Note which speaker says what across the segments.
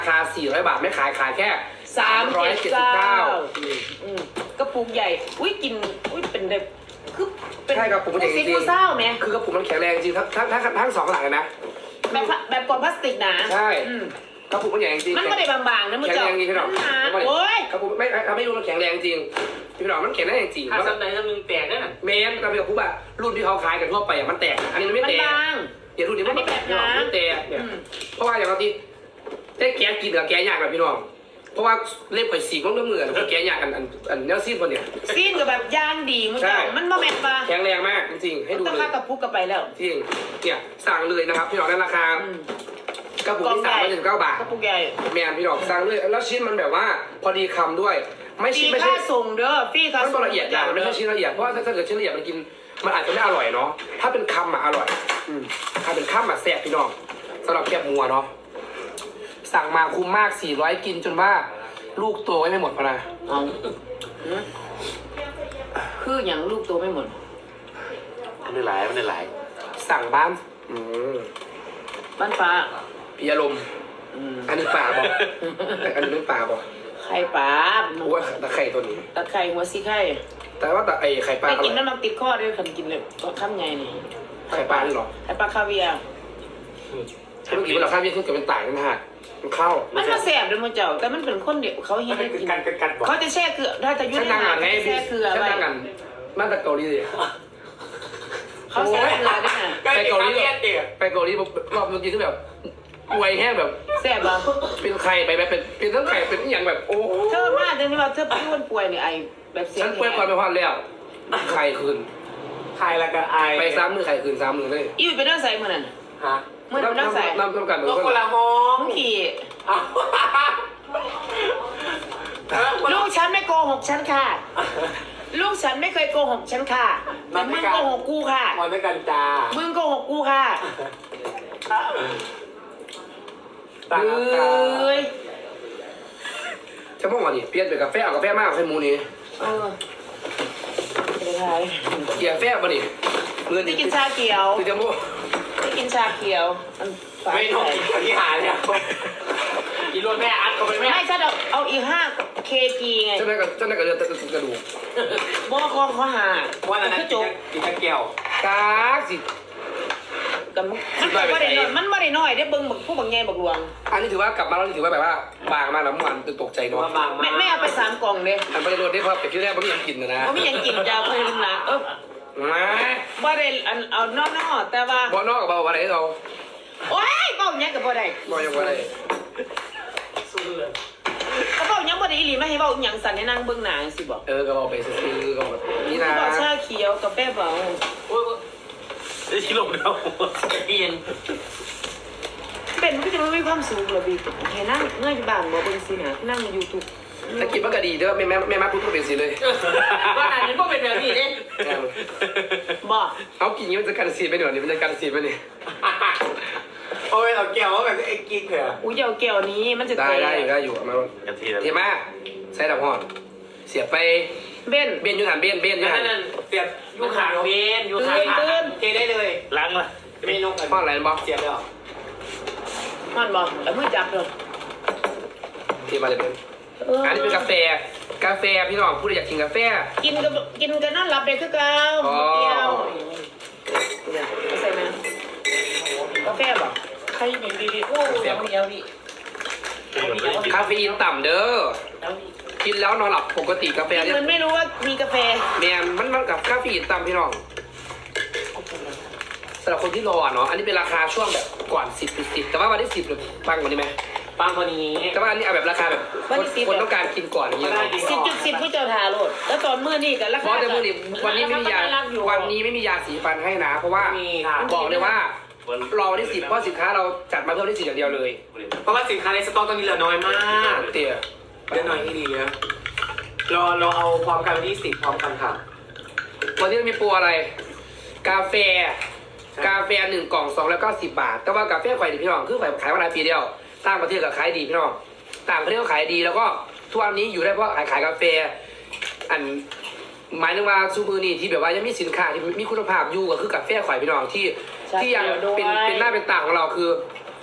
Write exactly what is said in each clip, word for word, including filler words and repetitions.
Speaker 1: ราคาสี่ร้อยบาทไม่ขายขายแค่
Speaker 2: สามร้อยเจ็ดสิบเก้า
Speaker 1: อืม
Speaker 2: กระปุกใหญ่อุ้ยกินอุ้ยเป็นแบบคือเป็น
Speaker 1: ใช่กระปุกมันใหญ่จริง
Speaker 2: ซิกูเศร้าไหม
Speaker 1: คือกระปุกมันแข็งแรงจริงทั้งทั้งทั้งทั้งสองหลังเลยนะ
Speaker 2: แบบแบบกล่องพลาสติกนะ
Speaker 1: ใช่
Speaker 2: อืม
Speaker 1: กระปุกมันใหญ่จริง
Speaker 2: มันไม่ได้บางๆนะมึง
Speaker 1: แข็ง
Speaker 2: เจ้า
Speaker 1: แรงจริงพี่หน่อง
Speaker 2: หนาโอ้ย
Speaker 1: กระปุกไม่ทำให้ดูมันแข็งแรงจริงพี่หน่องมันแข็งแรงจริง
Speaker 3: ถ้าสักไหนสักหนึ่งแตกได้น่ะ
Speaker 1: เมนกระปุกอะรุ่นที่เขาขายกันทั่วไปอะมันแตกอันนี้มันไม่
Speaker 2: มัน
Speaker 1: แตก
Speaker 2: บาง
Speaker 1: เดี๋ยวรุ่นนี้มัน
Speaker 2: อันนี้แบบหนา
Speaker 1: ไม่แตกเนี่ย
Speaker 2: อืม
Speaker 1: เพราะว่าอย่างที่ได้แกะกินกับแกะยากแบบพี่น้องเพราะว่าเล็บข่อยสีมันก็เหมือนแกะยากอันอันอันเนื้อซีนคนเนี่ย
Speaker 2: ซีนกับแบบย่างดีมึงเจ้า
Speaker 1: ใช่
Speaker 2: มันบ่แม่นปะ
Speaker 1: แข็งแรงมากจริงๆให้ดู
Speaker 2: ต้อง
Speaker 1: เล
Speaker 2: ค่าย กระปุกกันไปแล้ว
Speaker 1: จริงเนี่ยสั่งเลยนะครับพี่น้องในราคา
Speaker 2: อืม
Speaker 1: กระปุกที่สามร้อยสิบเก้าบาท
Speaker 2: กระปุกใหญ่
Speaker 1: แมนพี่น้องสั่งเลยแล้วชิ้นมันแบบว่าพอดีคำด้วย ไม่
Speaker 2: ฟรี
Speaker 1: ชิ้นไม่
Speaker 2: ค่า
Speaker 1: ใช่
Speaker 2: ส่งเด้อฟรีค่า
Speaker 1: มัน
Speaker 2: ส่ง
Speaker 1: ละเอียดอย่างมันไม่ใช่ชิ้นละเอียดเพราะว่าถ้าเกิดชิ้นละเอียดมันกินมันอาจจะไม่อร่อยเนาะถ้าเป็นคำอะอร่อยอืมถ้าเป็นคำอะแซ่บพี่น้องสำหรับแคบมัวเนาะสั่งมาคุ้มมากสี่ร้อยกินจนว่าลูกโตไว้ไม่หมดพะนะ
Speaker 2: เอาหือคืออย่างลูกตัวไม่หมด
Speaker 3: มันได้หลายมันได้หลาย
Speaker 1: สั่งบ้านอืม
Speaker 2: บ้านฟ้า
Speaker 1: พี่อารมณ์
Speaker 2: อืม
Speaker 1: อันนี้ป่าบอกอันนี้เป็นป่าบอก
Speaker 2: ไข่ปลา
Speaker 1: โอ้ยตะไคร่ตัวนี้
Speaker 2: ตะไคร่หัวซีไข่
Speaker 1: แต่ว่าแต่ไอไข่ปลา
Speaker 2: ไป
Speaker 1: อร่
Speaker 2: กิน
Speaker 1: อย
Speaker 2: น้ำมันติดข้อด้วยคันกินเลยก็ทำไงนี่
Speaker 1: ไข่ปลานี่หรอ
Speaker 2: ไข่ปลาคาเวียร์
Speaker 1: เมื่อกี้เราข้ามเยี่ยขึ้นกับเป็นต่างกันนะฮะมันเข้า
Speaker 2: มันมาแสบเลยมึงเจ้าแต่มันเป็นคนเดียวเขาเห็
Speaker 3: มัน
Speaker 2: น
Speaker 3: เป็น
Speaker 2: กิน
Speaker 3: การกันกันบอก
Speaker 2: เขาจะแช่เกลือถ้าจะยุ่
Speaker 1: ฉัน
Speaker 2: ใน
Speaker 1: นั่ง
Speaker 2: ห
Speaker 1: อ่านไง
Speaker 2: เขาจะ
Speaker 1: พี่
Speaker 2: แช่เกลือ
Speaker 1: ฉัน
Speaker 2: ไว้
Speaker 1: นั่งอ่านมาจากเกาหลีเลย
Speaker 2: เขาแช่เกลือด้วยนะ
Speaker 1: ไปเกาหลี
Speaker 3: เรียนเด็ก
Speaker 1: ไปเกาหลีรอบเมื่อกี้คือแบบอวยแห้งแบบ
Speaker 2: แสบเหรอ
Speaker 1: เป็นไข่ไปแบบเป็นเป็นทั้งไข่เป็นอหย่างแบบโอ้
Speaker 2: เธอมาจนที่ว่าเธอป่วยป่วยเนี่ยไอแบบเสีย
Speaker 1: ฉั
Speaker 2: ง
Speaker 1: นเปิดความไปพอดแล้วไข่คืน
Speaker 3: ใครละกันไอ
Speaker 1: ไปซ้ำมือไข่คืนซ้ำมือเลย
Speaker 2: อิ่วไปนั่งใส่มือนั่น
Speaker 3: ฮะ
Speaker 2: มือนั่นนั่งใส่
Speaker 1: น้ำน้ำกันเหมือน
Speaker 3: ก็
Speaker 1: กัน
Speaker 3: คนละห้อง
Speaker 2: มึงขี่
Speaker 3: อ้าว
Speaker 2: ลูกฉันไม่โกหกฉันค่ะ ลูกฉันไม่เคยโกหกฉันค่ะแต่มึงโกหกกูค่ะ
Speaker 3: มาด้วยกันจ้า
Speaker 2: มึงโกหกกูค่ะ
Speaker 3: ต่าง
Speaker 2: เอ้ย
Speaker 1: จะมองว่าดิเปลี่ยนเป็นกาแฟเอากาแฟมากกว่าไข่มูนี่
Speaker 2: เออเป็นไร
Speaker 1: เกียร์แฟบ่นี่เงิน
Speaker 2: ที่กินชาเขียว
Speaker 1: คือจะโม่
Speaker 2: ที่กินชาเขียวมันฝาด
Speaker 3: ไม่ต้องกินคนที่หาเนี่ยกินรวดแม่อัดเข้าไปแม่
Speaker 2: ไม่ฉันเอาเอาอีกห้าเคจีไง
Speaker 1: เจ้าหน้าก็เจ้าหน้าก็เดือดกระดูก
Speaker 2: บอคองเขาหา
Speaker 3: วันนั้น
Speaker 2: คือจบ
Speaker 3: กินตะเกียว
Speaker 1: กาสิ
Speaker 2: กับมันมันไม่ได้น้อยมันไม่ได้น้อยได้เบิ้งบักผู้บักใหญ่บักหลวง
Speaker 1: อันนี้ถือว่ากลับมาแล้วนี่ถือว่าแบบว่าบางมากน้ำมันตื่นตกใจเนาะ
Speaker 3: มาบาง
Speaker 2: แม่
Speaker 3: มาก
Speaker 2: แม่เอาไปสามกล่องเลย
Speaker 1: อันไปโดนได้เพราะเป็ดที่แรกมันไม่ยังกินนะนะ
Speaker 2: เพราะไม่ยังกินยาเพื่อนนะเออ
Speaker 1: มา
Speaker 2: บ่ได้อันเอานอกๆแต่ว่า
Speaker 1: บ่นอกกับบ่อะไรเรา
Speaker 2: โอ๊ยเบ้าหยังกับบ่ได้
Speaker 1: บ่ยังบ่ได้
Speaker 3: สู้เลย
Speaker 2: เขาเบ้าหยังบ่ได้อีหลีไม่ให้เบ้าหยังสั่นให้นั่งเบิ่งหนังสิบอก
Speaker 1: เออก็บอกไปซื้อก็แบบนี่นะ
Speaker 2: บอกชาเขียวกาแฟเบา
Speaker 3: โอ้ยได้ชิลมแล้วเปลี่ยน
Speaker 2: เป็นมันก็จะไม่มีความสุขหรอกพี่แค่นั่งเงยบ้านบ่เบิ่งสินะนั่งยูทูบ
Speaker 1: ถ้ากินมันก็ดีเด้อแม่แม่แม่มาพูดก็เป็นสิเลย
Speaker 2: ว่าอันนี้บ่เป็นแบบนี้เด้บ่
Speaker 1: เอากินนี้มันจะกันสีไปหน่อยนี่มันจะกันสีไปนี่
Speaker 3: โอ้ยเราเกี่ยวว่าแบบไอ้กิ๊กเหรอ
Speaker 2: อุ้ยเดี๋ยวแก้วนี้มันจะ
Speaker 1: ได้
Speaker 2: เตะ
Speaker 1: ได้อยู่ได้อยู่มาก
Speaker 3: ะทิแล้ว
Speaker 1: เทียมาใส่ดับหอดเสียบไป
Speaker 2: เบ้น
Speaker 1: เบี้ยนยูหันเบี้ยนเบี้ยนยูหัน
Speaker 3: นั่นเสียบยูขาเวนยูขาเทได้เลยล้างมาเมนู
Speaker 1: ห้องอะไรบอก
Speaker 3: เสียบเลย
Speaker 2: มันบ่แล้วมือจับเลย
Speaker 1: เทียมาเลยเป็นอันนี้เป็นกาแฟกาแฟพี่น้องผู้ใดอยากกินกาแฟ
Speaker 2: กินกับกินกันนอนหลับได้คือเก่า
Speaker 1: อ๋อ
Speaker 2: เดียวเนี่ยใส่ไหมกาแฟบ่ใครดีดีๆโอ้ยเดี๋ยวเดี๋ยวดิ
Speaker 1: คาเฟอีนต่ำเด้อกินแล้วนอนหลับปกติกาแฟเนี่ย
Speaker 2: มันไม่รู้ว่ามีกาแฟ
Speaker 1: แมนมันมันกับคาเฟอีนต่ำพี่น้องสำหรับคนที่รอเนาะอันนี้เป็นราคาช่วงแบบก่อนสิบสิบแต่ว่าวันที่สิบเลยปังกว่านี้ไหม
Speaker 3: ปังคนนี้
Speaker 1: แต่ว่าอันนี้เอาแบบราคาแบบคนคนต้องการกินก่อนอย่างเงี้ยเนาะ
Speaker 2: สิบจุดสิบผู้เจ้าทาโรดแล้วตอนมื้อนี่กันรา
Speaker 1: เพ
Speaker 2: คา
Speaker 1: ราะแต่เมื่อนี้วันนี้ไม่มียา
Speaker 2: รักอยู่
Speaker 1: วันนี้ไม่มียาสีฟันให้นะ เพราะว่า
Speaker 3: มีค่ะ
Speaker 1: บอกเลยว่ารอวันที่สิบเพราะสินค้าเราจัดมาเพิ่มที่สิบอย่างเดียวเลย
Speaker 3: เพราะว่าสินค้าในสต็อกตอนนี้เหลือน้อยมาก
Speaker 1: เตี๋ย
Speaker 3: เหลือน้อยที่ดีนะรอเราเอาพร้อมกันวันที่สิบพร้อมกันค่ะ
Speaker 1: วันนี้มีโปรอะไร กาแฟ กาแฟหนึ่งกล่องสองร้อยเก้าสิบบาท แต่ว่ากาแฟไข่ดิพี่น้องคือไข่ขายมาหลายปีเดียวต่างประเทศก็ขายดีพี่น้องต่างประเทศก็ขายดีแล้วก็ทุกวันนี้อยู่ได้เพราะขายขายกาแฟ อันหมายถึงว่าซูมือนี่ที่แบบว่ายังมีสินค้าที่มีคุณภาพอยู่ก็คือกาแฟไข่พี่น้องที่ที่ยังเป็นเป็นหน้าเป็นตาของเราคือก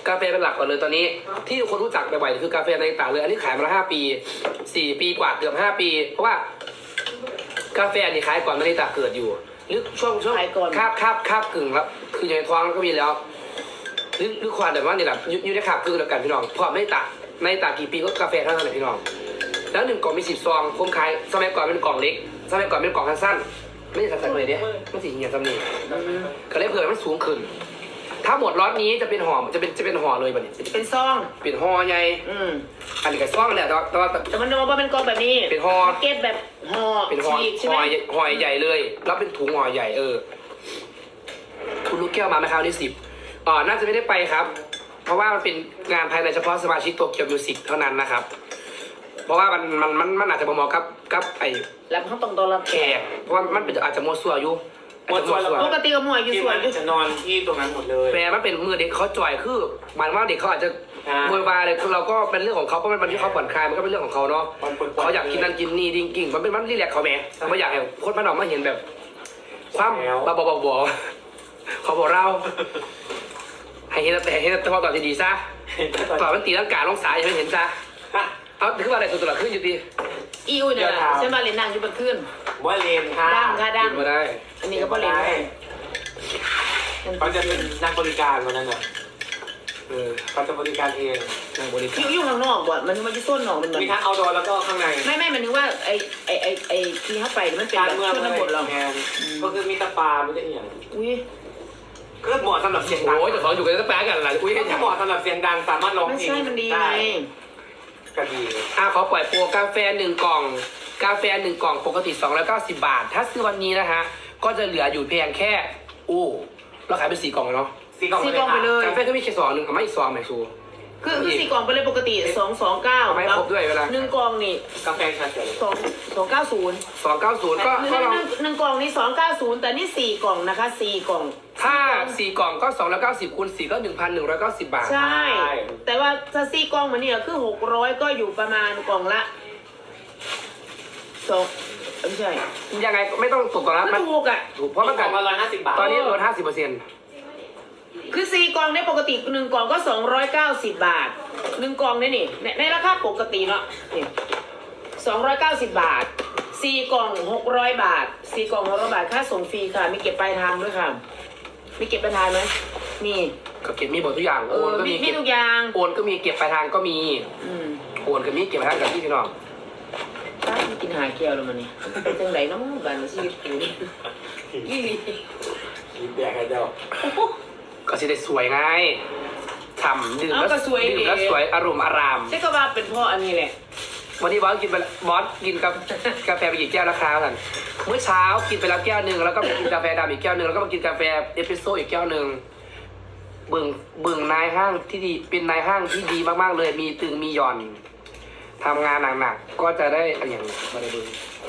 Speaker 1: กาแฟเป็นหลักก่อนเลยตอนนี้ ที่คนรู้จักบ่อยๆคือกาแฟในต่างเลยอันนี้ขายมาแล้วห้าปีสี่ปีกว่าเกือบห้าปี เพราะว่ากาแฟนี่ขายก่อนนาฬิตาเกิดอยู่หรือช่วงช่วง
Speaker 2: ขายก่อน
Speaker 1: คาบคาบคาบกึ่งแล้วคืออยู่ในท้องแล้วก็มีแล้วหรือหรือความแบบว่านี่แหละอยู่อยู่ในคาบกึ่งแล้วกันพี่น้องพอนาฬิตานาฬิตากี่ปีก็กาแฟเท่านั้นแหละพี่น้องแล้วหนึ่งกล่องมีสิบซองผมขายสมัยก่อนเป็นกล่องเล็กสมัยก่อนเป็นกล่องสั้นๆไม่ใช่สั้นๆเลยเนี่ยไม่ใช่เหี่ยสำนีก็เลยเผื่อมันสูงขึ้นถ้าหมดล็อตนี้จะเป็นห่อจะเป็นจะเป็นห่อเลยแบบนี้
Speaker 2: เป็นซอง
Speaker 1: เป็นห่อใหญ่
Speaker 2: อืม
Speaker 1: อันนี้ก็ซองแหละแต่ว่าแต่ว่า
Speaker 2: แต่มันว่าเป็นกองแบบนี้
Speaker 1: เป็นห่อ
Speaker 2: แพ็กเก็ตแบบห่อ
Speaker 1: เป็นห่อ
Speaker 2: ฉีกใช่ไห
Speaker 1: ห่
Speaker 2: ม
Speaker 1: อใหญ่ห่อใหญ่เลยแล้วเป็นถุงห่อใหญ่เออคุณลูกแก้วมาไหมครับที่สิบอ๋อน่าจะไม่ได้ไปครับ เพราะว่ามันเป็นงานภายในเฉพาะสมาชิกโตเกียวมิวสิกเท่านั้นนะครับ เพราะว่ามันมันมันมันอาจจะบ่เหมาะกับกับไอ้
Speaker 2: แล้วเขาต้องต้อนรับ
Speaker 1: แขกเพราะว่ามันเป็นอาจจะมัวซัวอยู่อาจจะมัวซัว
Speaker 2: ปกติก็มวยอยู่
Speaker 3: ที่
Speaker 2: สวย
Speaker 3: มัน
Speaker 2: อยู่
Speaker 3: จะนอนที่ตรงนั้นหมดเลย
Speaker 1: แปลมันเป็นมือเด็กเขาจ่อยคือหมายว่าเด็กเขาอาจจะ
Speaker 3: อ่า
Speaker 1: โวยวายเลยคือเราก็เป็นเรื่องของเขาเพราะมันเป็นที่เขาผ่อนคลายมันก็เป็นเรื่องของเขาเนาะ
Speaker 3: มันปวดๆ
Speaker 1: เขาอยากกินนั่นกินนี่ดิ้งกิ้งมันเป็นมันรีแลกซ์เขาแหมไม่อยากให้คนมันออกมาเห็นแบบ ความ
Speaker 3: แล้ว
Speaker 1: บ้าบอๆเขาบอกเรา ให้เห็นแต่ให้เห็นแต่พอตอบดีๆซะตอบมันตีร่างกายลงสายอย่าให้เห็นซะเอาคือว่าอะไรตัวตัวขึ้นอยู่ดี
Speaker 2: อีอุ้ยเนี่ยนะใช่ไหมเล่นนั่งอยู่บนขึ้น
Speaker 3: ว่าเลนค่ะ
Speaker 2: ดังค่ะดัง
Speaker 1: กินมาได้
Speaker 2: อันนี้ก็บ่เล่นได้
Speaker 3: เขาจะเป็นนักบริการวันนั้นอ่ะ
Speaker 1: เออ
Speaker 3: เขาจะบริการเอง
Speaker 1: นั่งบริ
Speaker 2: อ
Speaker 1: การ
Speaker 2: ยู่อยู่ข้างนอกบ่มันมันจะต้นหนองมันเหมือน
Speaker 3: มีทั้งเอาดอแล้วก็ข้างใน
Speaker 2: ไม่ไม่มันนึกว่าไอไอไอไอที่เข้าไปมันเป็น
Speaker 3: การ
Speaker 2: แบบ
Speaker 3: เมือง
Speaker 2: ชนบทเหรอ
Speaker 3: แทนก็คือมีตะปาไม่ได้อย่าง
Speaker 2: อุ้ย
Speaker 3: ก็เหมาะสำหรับเสียงดัง
Speaker 1: โอ้ยแต่เขาอยู่กันจะแปลกันอะไรอุ้ย
Speaker 3: ก็
Speaker 1: ให้
Speaker 3: เหมาะสำหรับเสียงดังสามารถร้อง
Speaker 2: ไม่
Speaker 3: เพลง
Speaker 2: ใช่มันดี
Speaker 3: ได้
Speaker 2: ไง
Speaker 3: ก็ดี
Speaker 1: อ่ะขอปล่อยโปรกาแฟหนึ่งกล่อง กาแฟหนึ่งกล่องปกติสองร้อยเก้าสิบบาท ถ้าซื้อวันนี้นะฮะ ก็จะเหลืออยู่เพียงแค่อู้เราขายเป็นสี่กล่องเลยเนาะ
Speaker 3: สีกล่อง
Speaker 2: สี่กล่องไปเลย
Speaker 1: กาแฟก็มีแค่สองหนึ่งกับไม่อีกซองไหมชู
Speaker 2: คือคือสี่กล่องไปเลยปกติสองสองเก้า
Speaker 1: เอาไม่ครบด้วยเวลา
Speaker 2: หนึ่งกล่องนี่
Speaker 3: กาแฟชาเขียว
Speaker 2: สองสองเก้าศูนย์
Speaker 1: สองเก้าศูนย์ก็
Speaker 2: หนึ่ง
Speaker 1: ก็ลอง
Speaker 2: หนึ่งหนึ่งกล่องนี่สองเก้าศูนย์แต่นี่สี่กล่องนะคะสี่กล่อง
Speaker 1: ถ้าสี่กล่องก็สองร้อยเก้าสิบคูณสี่ก็หนึ่งพันหนึ่งร้อยเก้าสิบบาท
Speaker 2: ใช่ แต่ว่าถ้าสี่กล่องมันเนี่ยคือหกร้อยก็อยู่ประมาณกล่องละสองไม่ใช่
Speaker 1: ยังไงก็ไม่ต้องตกต่อละ
Speaker 2: ก็
Speaker 1: มัน
Speaker 2: ถูกอ่ะ
Speaker 1: ถูกเพ
Speaker 3: เพ
Speaker 1: ราะ
Speaker 3: ราะ
Speaker 1: มั
Speaker 3: มัน นก
Speaker 1: กั
Speaker 3: ล่
Speaker 1: น
Speaker 3: องละร้อยห้าสิบบาท
Speaker 1: ตอนนี้ลดห้าสิบเปอร์เซ็นต์
Speaker 2: คือสี่กล่องในปกติหนึ่งกล่องก็สองร้อยเก้าสิบบาทหนึ่งกล่องเนี่ยนี่ในในราคาปกติเนาะนี่สองร้อยเก้าสิบบาทสี่กล่องหกร้อยบาทสี่กล่องหกร้อยบาทค่าส่งฟรีค่ะมีเก็บปลายทางด้วยค่ะมีเก็บปลายทางไหมมี
Speaker 1: ก็เก็บมีหมดทุกอย่าง
Speaker 2: เอ
Speaker 1: โอ
Speaker 2: อน
Speaker 1: ก็
Speaker 2: มี
Speaker 1: มี
Speaker 2: มี
Speaker 1: เก็บ
Speaker 2: ทุกอย่าง
Speaker 1: โอนก็มีเก็บปลายทางก็มี
Speaker 2: อืม
Speaker 1: โอนก็มีเก็บปลายทางกับที่พี่น้อง
Speaker 2: ป้าที่กินหาแก้วแล้วมันนี่เป็นจังไดเน้องบ้านชีวิตกูนี่อีหลี
Speaker 3: กินแดกกันเจ้า
Speaker 1: ก็สิได้สวยไงฉ่ำดื่ม
Speaker 2: เอา
Speaker 1: แล้ว
Speaker 2: ก็สวย
Speaker 1: ดื่ม
Speaker 2: ดี
Speaker 1: แล้วสวยอารมณ์อาราม
Speaker 2: ใช่ก็ว่าเป็นเพ่ออันนี้แหละ
Speaker 1: วันนี้บอสกินไปบอสกินกับ กาแฟไปกี่แก้วแล้วครับท่านเมื่อเช้ากินไปแล้วแก้วหนึ่งแล้วก็มากินกาแฟดำอีกแก้วหนึ่งแล้วก็มากินกาแฟเอสเปรสโซ่อีกแก้วหนึ่งบึงบึงนายห้างที่ดีเป็นนายห้างที่ดีมากๆเลย มีตึงมีหย่อนทำงานหนักๆก็จะได้อะไรอย่างมาได้ดู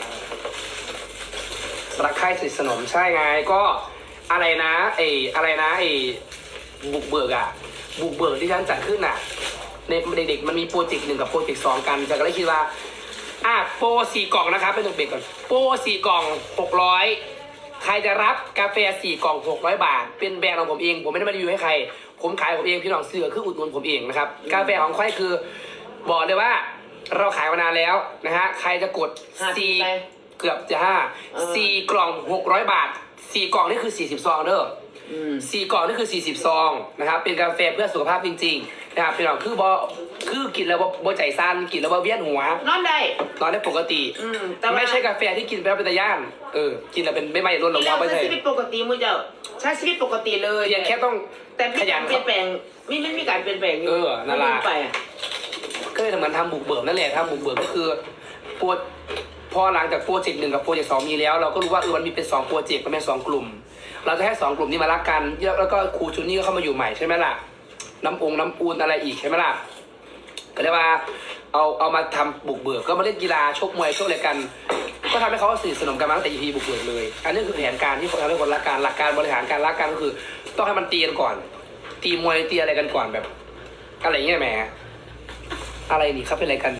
Speaker 1: รักใคร่สนิทสนมใช่ไงก็อะไรนะไอ้อะไรนะไอ้บุกเบิกอะบุกเบิกที่ฉันจัดขึ้นอะในเด็กๆมันมีโปรเจกต์หนึ่งกับโปรเจกต์สองกันจะก็เลยคิดว่าอ่ะโปรสี่กล่องนะครับเป็นเด็กๆก่อนโปรสี่กล่องหกร้อยใครจะรับกาแฟสี่กล่องหกร้อยบาท เป็นแบรนด์ของผมเองผมไม่ได้มารีวิวให้ใคร ผมขายผมเองพี่น้องเสือคืออุดหนุนผมเองนะครับกาแฟของค่อยคือบอกเลยว่าเราขายมานานแล้วนะฮะใครจะกด
Speaker 2: ห้าสิบ
Speaker 1: สี่
Speaker 2: ไป
Speaker 1: เกือบจะห้า
Speaker 2: เออ
Speaker 1: สี่กล่องหกร้อยบาทสี่กล่องนี่คือสี่สิบซองเด้อ
Speaker 2: อืม
Speaker 1: สี่กล่องนี่คือสี่สิบซองนะครับเป็นกาแฟเพื่อสุขภาพจริงๆนะครับพี่น้องคือบอคือกินแล้วบ่บ่ใจสั้นกินแล้วบ่เวียนหัวน
Speaker 2: อนได้
Speaker 1: นอนได้ปกติ
Speaker 2: อืมแต่ว่า
Speaker 1: ไม่ใช่กาแฟที่กินไปแล้วเป็นตะย่านเออกินแล้วเป็นไม่ไม่ร่นหรอก
Speaker 2: เรา
Speaker 1: ว่าไม่
Speaker 2: ใช้
Speaker 1: ใช่
Speaker 2: ชีวิตปกติมือเจ้าใช้ชีวิตปกติเลย
Speaker 1: เพียงแค่ต้อง
Speaker 2: แต่มี
Speaker 1: ขยั
Speaker 2: กาน รเปลี่ยนแปลงมีไม่มีการเปลี่ยนแปลงอยู่
Speaker 1: เออนั่นล่ะ
Speaker 2: ไม่ไปอ่ะ
Speaker 1: ก็เลยเหมือนทำบุกเบิกนั่นแหละทำบุกเบิกก็คือโปรพอหลังจากโปรเจกต์หนึ่งกับโปรเจกต์สองมีแล้ว เราก็รู้ว่าเออมันมีเป็นสองโปรเจกต์มันเป็นสองกลุ่ม เราจะให้สองกลุ่มนี้มารักกันแล้วก็ครูชุนนี่ก็เข้ามาอยู่ใหม่ใช่ไหมล่ะน้ำองน้ำอูนอะไรอีกใช่ไหมล่ะก็เลยว่าเอาเอามาทำบุกเบิกก็มาเล่นกีฬาชกมวยชกอะไรกัน ก็ทำให้เขาสนิทสนมกันมาตั้งแต่ อี พี บุกเบิกเลย อันนี้คือแผนการที่ทำให้คนรักกันหลักการบริหารการรักกันก็คือ ต้องให้มันตีกันก่อน ตีมวยตีอะไรกันก่อนแบบอะไรเงี้ยแหมอะไรนี่ครับเป็นอะไรกัน